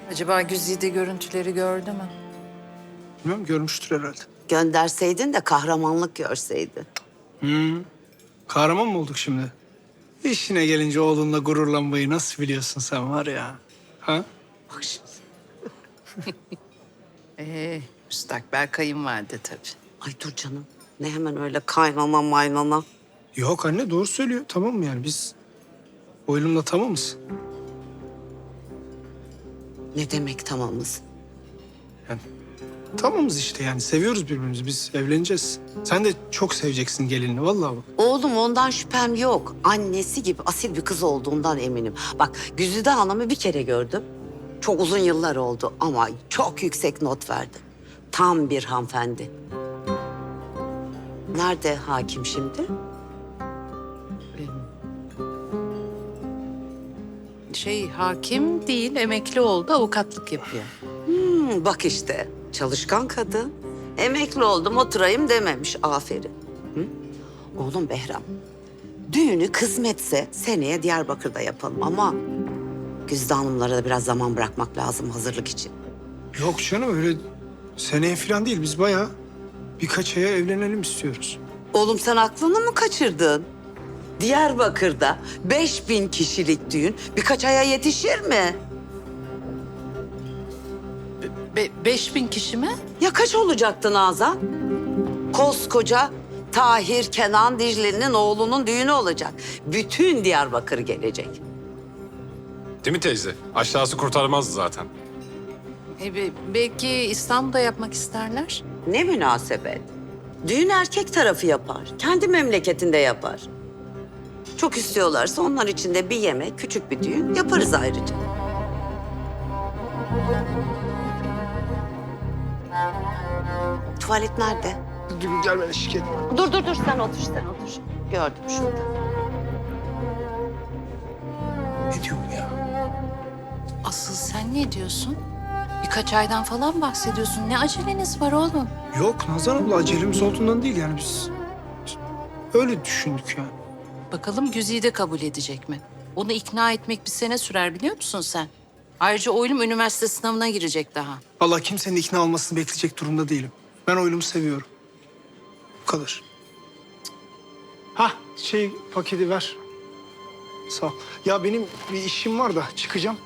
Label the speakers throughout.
Speaker 1: Acaba Güzide görüntüleri gördü mü?
Speaker 2: Bilmem, görmüştür herhalde.
Speaker 3: Gönderseydin de kahramanlık görseydi.
Speaker 2: Kahraman mı olduk şimdi? İşine gelince oğlunla gururlanmayı nasıl biliyorsun sen var ya? Ha?
Speaker 3: Bak şimdi.
Speaker 1: Müstakbel kayınvalide tabii.
Speaker 3: Ay dur canım. Ne hemen öyle kaynana maynana.
Speaker 2: Yok anne, doğru söylüyor. Tamam mı yani biz oğlumla tamamız.
Speaker 3: Ne demek tamamız?
Speaker 2: Yani tamamız işte, yani seviyoruz birbirimizi. Biz evleneceğiz. Sen de çok seveceksin gelinini vallahi bak.
Speaker 3: Oğlum ondan şüphem yok. Annesi gibi asil bir kız olduğundan eminim. Bak Güzide Hanım'ı bir kere gördüm. Çok uzun yıllar oldu ama çok yüksek not verdi. Tam bir hanımefendi. Nerede hakim şimdi?
Speaker 1: Hakim değil, emekli oldu, avukatlık yapıyor.
Speaker 3: Bak işte çalışkan kadın. Emekli oldum oturayım dememiş. Aferin. Hı? Oğlum Behram, düğünü kısmetse seneye Diyarbakır'da yapalım ama Güzide Hanımlara da biraz zaman bırakmak lazım hazırlık için.
Speaker 2: Yok canım, öyle seneye falan değil. Biz bayağı birkaç aya evlenelim istiyoruz.
Speaker 3: Oğlum sen aklını mı kaçırdın? Diyarbakır'da 5000 kişilik düğün birkaç aya yetişir mi?
Speaker 1: 5000 kişi mi?
Speaker 3: Ya kaç olacaktı Nazan? Koskoca Tahir Kenan Dicle'nin oğlunun düğünü olacak. Bütün Diyarbakır gelecek.
Speaker 4: Değil mi teyze? Aşağısı kurtarmazdı zaten.
Speaker 1: Belki İstanbul'da yapmak isterler.
Speaker 3: Ne münasebet. Düğün erkek tarafı yapar. Kendi memleketinde yapar. Çok istiyorlarsa onlar için de bir yemek, küçük bir düğün yaparız ayrıca. Tuvalet nerede?
Speaker 2: Dur gel, ben eşlik etme.
Speaker 3: Dur sen otur Gördüm şurada.
Speaker 2: Ne diyor bu ya?
Speaker 1: Asıl sen ne diyorsun? Birkaç aydan falan bahsediyorsun. Ne aceleniz var oğlum?
Speaker 2: Yok Nazan abla, acelemiz olduğundan değil yani biz öyle düşündük yani.
Speaker 1: Bakalım Güzide kabul edecek mi? Onu ikna etmek bir sene sürer biliyor musun sen? Ayrıca oğlum üniversite sınavına girecek daha.
Speaker 2: Vallahi kimsenin ikna olmasını bekleyecek durumda değilim. Ben oğlumu seviyorum. Bu kadar. Ha, paketi ver. Sağ ol. Ya benim bir işim var da çıkacağım.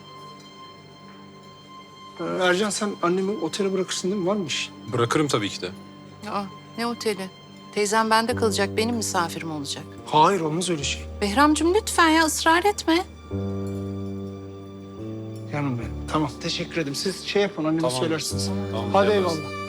Speaker 2: Ercan, sen annemi otele bırakırsın değil mi? Var mı işin?
Speaker 4: Bırakırım tabii ki de.
Speaker 1: Aa, ne oteli? Teyzem bende kalacak, benim misafirim olacak.
Speaker 2: Hayır, olmaz öyle şey.
Speaker 1: Behramcığım lütfen ya ısrar etme.
Speaker 2: Canım benim. Tamam, teşekkür ederim. Siz yapın, anneme
Speaker 4: Tamam.
Speaker 2: söylersiniz.
Speaker 4: Tamam,
Speaker 2: Hadi
Speaker 4: yaparız.
Speaker 2: eyvallah.